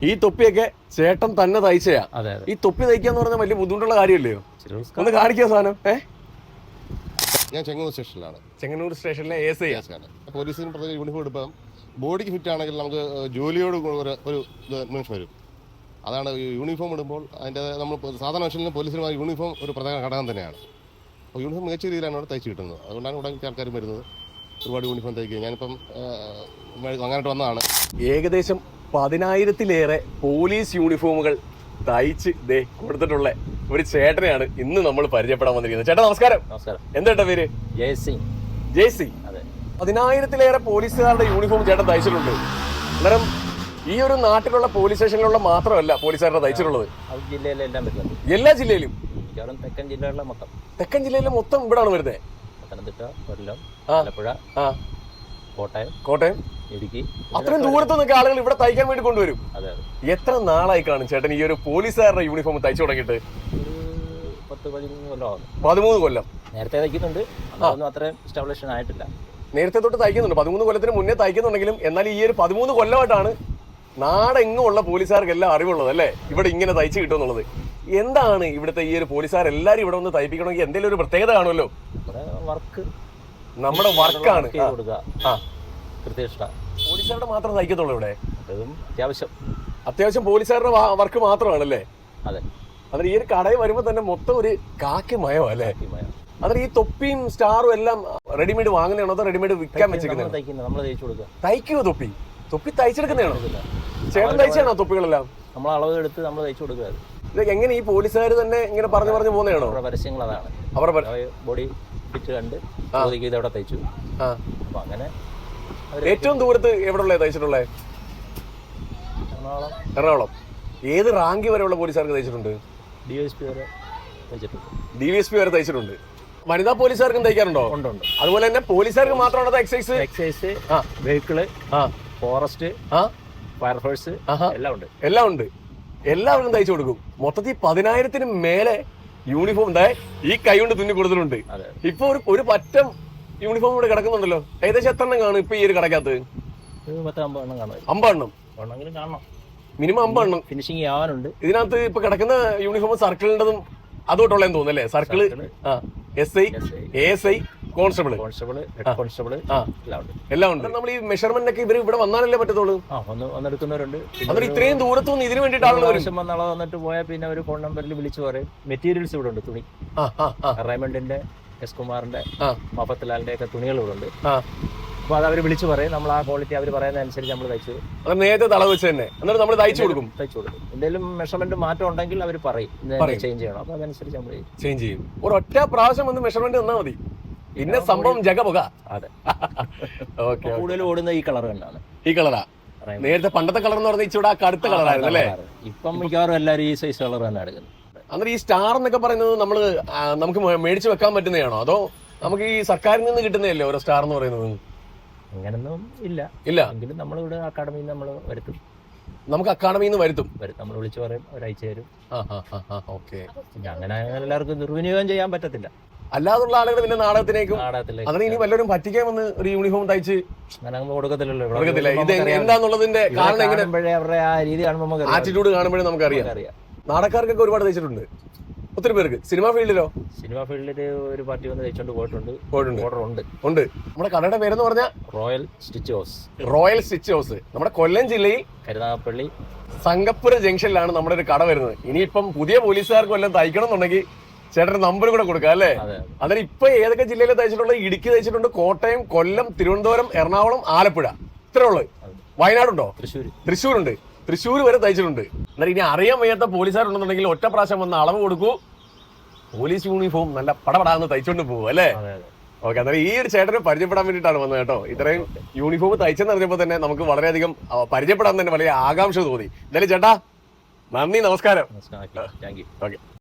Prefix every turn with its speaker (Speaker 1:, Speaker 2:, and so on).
Speaker 1: ഈ തൊപ്പിയൊക്കെ ചേട്ടൻ തന്നെ തയ്ച്ചയാ. ഈ തൊപ്പി തയ്ക്കാന്ന് പറഞ്ഞാൽ വലിയ ബുദ്ധിമുട്ടുള്ള കാര്യമല്ലയോ? ഒന്ന് കാണിക്കുക സാധനം.
Speaker 2: ഞാൻ ചെങ്ങന്നൂർ സ്റ്റേഷനിലാണ്.
Speaker 1: ചെങ്ങന്നൂർ സ്റ്റേഷനിലെ ASI
Speaker 2: ആണ്. പോലീസിന് പ്രത്യേക യൂണിഫോം എടുപ്പം ബോഡിക്ക് ഫിറ്റ് ആണെങ്കിൽ നമുക്ക് ജോലിയോട് ഒരു നിമിഷം വരും. അതാണ് യൂണിഫോം ഇടുമ്പോൾ അതിൻ്റെ നമ്മൾ സാധാരണ മനുഷ്യന് പോലീസിന് യൂണിഫോം ഒരു പ്രധാന ഘടകം തന്നെയാണ്. അപ്പോൾ യൂണിഫോം മികച്ച രീതിയിലാണ് അവിടെ തയ്ച്ച് കിട്ടുന്നത്. അതുകൊണ്ടാണ് ഇവിടെ ആൾക്കാരും വരുന്നത്. ഒരുപാട് യൂണിഫോം തയ്ക്കുക. ഞാനിപ്പം അങ്ങോട്ട് വന്നതാണ്.
Speaker 1: ഏകദേശം 10,000-ലേറെ പോലീസ് യൂണിഫോമുകൾ തയ്ച്ച് കൊടുത്തിട്ടുള്ള ഒരു ചേട്ടനെയാണ് ഇന്ന് നമ്മൾ പരിചയപ്പെടാൻ വന്നിരിക്കുന്നത്. ചേട്ടാ നമസ്കാരം.
Speaker 3: നമസ്കാരം.
Speaker 1: എന്താ പേര്? ജയസി. 10,000-ലേറെ പോലീസുകാരുടെ യൂണിഫോം ചേട്ടൻ തയ്ച്ചിട്ടുണ്ട്. അന്നേരം ഈ ഒരു നാട്ടിലുള്ള പോലീസ് സ്റ്റേഷനിലുള്ള മാത്രമല്ല പോലീസുകാരുടെ തയ്ച്ചിട്ടുള്ളത്, എല്ലാ ജില്ലയിലും. തെക്കൻ ജില്ലയിലെ മൊത്തം ഇവിടാണ് വരുന്നത്.
Speaker 3: പത്തനംതിട്ട, കൊല്ലം, ആലപ്പുഴ,
Speaker 1: കോട്ടയം, ഇടുക്കി, അത്രയും ദൂരത്തു നിന്നൊക്കെ ആളുകൾ ഇവിടെ തയ്ക്കാൻ വേണ്ടി കൊണ്ടുവരും. എത്ര നാളായി കാണും ചേട്ടൻ ഈ ഒരു പോലീസുകാരുടെ യൂണിഫോം തയ്ച്ചു തുടങ്ങിയിട്ട്? 13 കൊല്ലം.
Speaker 3: നേരത്തെ തയ്ക്കുന്നുണ്ട്, അത്രയും എസ്റ്റാബ്ലിഷൻ ആയിട്ടില്ല.
Speaker 1: നേരത്തെ തൊട്ട് തയ്ക്കുന്നുണ്ട്. 13 കൊല്ലത്തിന് മുന്നേ തയ്ക്കുന്നുണ്ടെങ്കിലും എന്നാൽ ഈ ഒരു 13 കൊല്ലമായിട്ടാണ് നാടെങ്ങും ഉള്ള പോലീസുകാർക്ക് എല്ലാം അറിവുള്ളത് അല്ലേ, ഇവിടെ ഇങ്ങനെ തയ്ച്ചു കിട്ടുമെന്നുള്ളത്. എന്താണ് ഇവിടുത്തെ ഈ ഒരു പോലീസുകാർ എല്ലാരും ഇവിടെ വന്ന് തയ്പ്പിക്കണമെങ്കിൽ എന്തെങ്കിലും ഒരു പ്രത്യേകത കാണുമല്ലോ? നമ്മുടെ വർക്കാണ്. പോലീസുകാരുടെ മാത്രം തയ്ക്കത്തുള്ളൂ ഇവിടെ? അത്യാവശ്യം പോലീസുകാരുടെ വർക്ക് മാത്രമാണല്ലേ?
Speaker 3: അതെ.
Speaker 1: അതിന് ഈ ഒരു കടയിൽ വരുമ്പോ തന്നെ മൊത്തം ഒരു കാക്കി മയോ അല്ലേ? അതിന് ഈ തൊപ്പിയും സ്റ്റാറും എല്ലാം റെഡിമെയ്ഡ് വാങ്ങുന്നതാണോ അതോ റെഡിമെയ്ഡ് വിൽക്കാൻ വെച്ചിരിക്കുന്നത്? തയ്ക്കുവോ? തൊപ്പി തയ്ച്ചെടുക്കുന്നതാണോ? ചേട്ടൻ തയ്ച്ചാണോ തൊപ്പികളെല്ലാം?
Speaker 3: നമ്മൾ അളവ് എടുത്ത് നമ്മൾ തയ്ച്ചു കൊടുക്കുക.
Speaker 1: ഇതൊക്കെ എങ്ങനെ ഈ പോലീസുകാർ തന്നെ ഇങ്ങനെ പറഞ്ഞു പോകുന്നതാണോ?
Speaker 3: പരസ്യങ്ങൾ അതാണ്.
Speaker 1: അവരുടെ
Speaker 3: ബോഡി ഫിറ്റ് കണ്ട് ഇതവിടെ തയ്ച്ചു. അപ്പൊ അങ്ങനെ
Speaker 1: ഏറ്റവും ദൂരത്ത് എവിടെ തയ്ച്ചിട്ടുള്ളത്? എറണാകുളം. ഏത് റാങ്ക് വരെയുള്ള പോലീസുകാർക്ക് തയ്ച്ചിട്ടുണ്ട്? DVSP വരെ തയ്ച്ചിട്ടുണ്ട്. വനിതാ പോലീസുകാർക്കും തയ്ക്കാറുണ്ടോ?
Speaker 3: ഉണ്ട്.
Speaker 1: അതുപോലെ തന്നെ പോലീസുകാർക്ക് മാത്രമാണോ
Speaker 3: എക്സൈസ്, വെഹിക്കിള്, ഫോറസ്റ്റ്, ഫയർഫോഴ്സ്
Speaker 1: എല്ലാം ഉണ്ട്. എല്ലാവർക്കും തയ്ച്ചു കൊടുക്കും. മൊത്തത്തിൽ 10,000-ന് മേലെ യൂണിഫോം ഈ കൈ കൊണ്ട് തുന്നി കൊടുത്തിട്ടുണ്ട്. ഇപ്പൊ ഒരു പറ്റം യൂണിഫോം ഇവിടെ കിടക്കുന്നുണ്ടല്ലോ. ഏകദേശം എത്ര എണ്ണം കാണും ഇപ്പൊ ഈ ഒരു കടക്കകത്ത്? 50 എണ്ണം മിനിമം. 50 എണ്ണം
Speaker 3: ഫിനിഷിംഗ് ആവാനുണ്ട്.
Speaker 1: ഇതിനകത്ത് ഇപ്പൊ കിടക്കുന്ന യൂണിഫോം സർക്കിളിൻ്റെതും അതോട്ടുള്ളതെന്ന് തോന്നുന്നല്ലേ? സർക്കിള്, SI, ASI, കോൺസ്റ്റബിള് എല്ലാം ഉണ്ട്. നമ്മൾ ഈ മെഷർമെന്റ് ഒക്കെ ഇവര് ഇവിടെ വന്നാലല്ലേ പറ്റത്തുള്ളൂ?
Speaker 3: വന്നെടുക്കുന്നവരുണ്ട്.
Speaker 1: അതിന് ഇത്രയും ദൂരത്തുനിന്ന് ഇതിനു വേണ്ടിയിട്ടാണ്
Speaker 3: വന്നിട്ട് പോയാൽ പിന്നെ ഒരു ഫോൺ നമ്പറിൽ വിളിച്ചു പറയും. മെറ്റീരിയൽസ് ഇവിടെ ഉണ്ട്. തുണി റൈമണ്ടിന്റെ, എസ് കുമാറിന്റെ, മഫത്തിലാലിന്റെ ഒക്കെ തുണികൾ ഇവിടെ ഉണ്ട്. അപ്പൊ അത് അവര് വിളിച്ചു പറയും. നമ്മൾ ആ ക്വാളിറ്റി അവർ പറയുന്ന അനുസരിച്ച് നമ്മൾ തയ്ച്ചു
Speaker 1: നേരത്തെ തളവ് വെച്ച് തന്നെ എന്നിട്ട് നമ്മൾ തയ്ച്ചു കൊടുക്കും.
Speaker 3: എന്തെങ്കിലും മെഷർമെന്റ് മാറ്റം ഉണ്ടെങ്കിൽ അവർ പറയും ചേഞ്ച് ചെയ്യണം. അപ്പൊ അതനുസരിച്ച് നമ്മൾ
Speaker 1: ചേഞ്ച് ചെയ്യും. ഒരൊറ്റ പ്രാവശ്യം വന്ന് മെഷർമെന്റ് തന്നാൽ മതി, പിന്നെ സംഭവം ജഗപുക.
Speaker 3: അതെ. കൂടുതൽ ഓടുന്ന ഈ കളർ തന്നെയാണ്.
Speaker 1: ഈ കളറാ? നേരത്തെ പണ്ടത്തെ കളർ എന്ന് പറഞ്ഞാൽ ഇച്ചിരി കടുത്ത കളറായിരുന്നു അല്ലേ?
Speaker 3: ഇപ്പം മിക്കവാറും എല്ലാവരും ഈ സൈസ് കളർ തന്നെ എടുക്കുന്നത്.
Speaker 1: അന്നേരം ഈ സ്റ്റാർ എന്നൊക്കെ പറയുന്നത് നമുക്ക് മേടിച്ചു വെക്കാൻ പറ്റുന്നതാണോ അതോ നമുക്ക് ഈ സർക്കാരിൽ നിന്ന് കിട്ടുന്നതല്ലേ ഓരോ സ്റ്റാർ എന്ന് പറയുന്നത്?
Speaker 3: അങ്ങനൊന്നും ഇല്ല. എങ്കിലും നമ്മളിവിടെ അക്കാഡമിയിൽ നമ്മൾ വരുത്തും.
Speaker 1: നമുക്ക് അക്കാഡമിയിൽ നിന്ന് വരുത്തും.
Speaker 3: നമ്മൾ വിളിച്ചു പറയും, അവരയച്ചു തരും. അങ്ങനെ എല്ലാവർക്കും ദുർവിനിയോഗം ചെയ്യാൻ പറ്റത്തില്ല.
Speaker 1: അല്ലാതുള്ള ആളുകൾ പിന്നെ നാടകത്തിലേക്കും അതിന് ഇനി വല്ലവരും പറ്റിക്കാൻ വന്ന് ഒരു യൂണിഫോം തയ്ച്ച്
Speaker 3: കൊടുക്കത്തില്ലല്ലോ.
Speaker 1: ഇത് എന്താന്നുള്ളതിന്റെ കാരണം എങ്ങനെ
Speaker 3: അവരുടെ ആ രീതി കാണുമ്പോൾ
Speaker 1: ആറ്റിറ്റ്യൂഡ് കാണുമ്പോഴേ നമുക്കറിയാം. നാടകക്കാർക്കൊക്കെ ഒരുപാട് തയ്ച്ചിട്ടുണ്ട് ഒത്തിരി പേർക്ക്. സിനിമാ ഫീൽഡിലോ?
Speaker 3: സിനിമാ ഫീൽഡില് ഒരു പാർട്ടി വന്ന് തയ്ച്ചോണ്ട് പോയിട്ടുണ്ട്.
Speaker 1: ഉണ്ട്. നമ്മുടെ കടയുടെ പേരെന്ന് പറഞ്ഞാൽ
Speaker 3: റോയൽ സ്റ്റിച്ച്
Speaker 1: ഹൗസ്. നമ്മുടെ കൊല്ലം ജില്ലയിൽ
Speaker 3: കരുനാഗപ്പള്ളി
Speaker 1: സംഗപ്പുര ജംഗ്ഷനിലാണ് നമ്മുടെ ഒരു കട വരുന്നത്. ഇനിയിപ്പം പുതിയ പോലീസുകാർക്ക് വല്ലതും തയ്ക്കണം എന്നുണ്ടെങ്കിൽ ചേട്ടന്റെ നമ്പർ കൂടെ കൊടുക്കാം അല്ലേ? അന്നേരം ഇപ്പൊ ഏതൊക്കെ ജില്ലയിൽ തയ്ച്ചിട്ടുള്ളത്? ഇടുക്കി തയ്ച്ചിട്ടുണ്ട്, കോട്ടയം, കൊല്ലം, തിരുവനന്തപുരം, എറണാകുളം, ആലപ്പുഴ, ഇത്രേ ഉള്ളു. വയനാടുണ്ടോ? തൃശ്ശൂരുണ്ട്. തൃശ്ശൂർ വരെ തയ്ച്ചിട്ടുണ്ട്. എന്നാൽ ഇനി അറിയാൻ വയ്യാത്ത പോലീസുകാരുണ്ടെന്നുണ്ടെങ്കിൽ ഒറ്റ പ്രാവശ്യം വന്ന് അളവ് കൊടുക്കൂ, പോലീസ് യൂണിഫോം നല്ല പടപടാന്ന് തയ്ച്ചോണ്ട് പോകും അല്ലേ? ഓക്കെ. അന്നേരം ഈ ഒരു ചേട്ടനെ പരിചയപ്പെടാൻ വേണ്ടിയിട്ടാണ് വന്നത് കേട്ടോ. ഇത്രയും യൂണിഫോം തയ്ച്ചെന്ന് അറിഞ്ഞപ്പോൾ തന്നെ നമുക്ക് വളരെയധികം പരിചയപ്പെടാൻ തന്നെ വളരെ ആകാംക്ഷ തോന്നി. എന്തായാലും ചേട്ടാ നന്ദി, നമസ്കാരം.
Speaker 3: ഓക്കെ.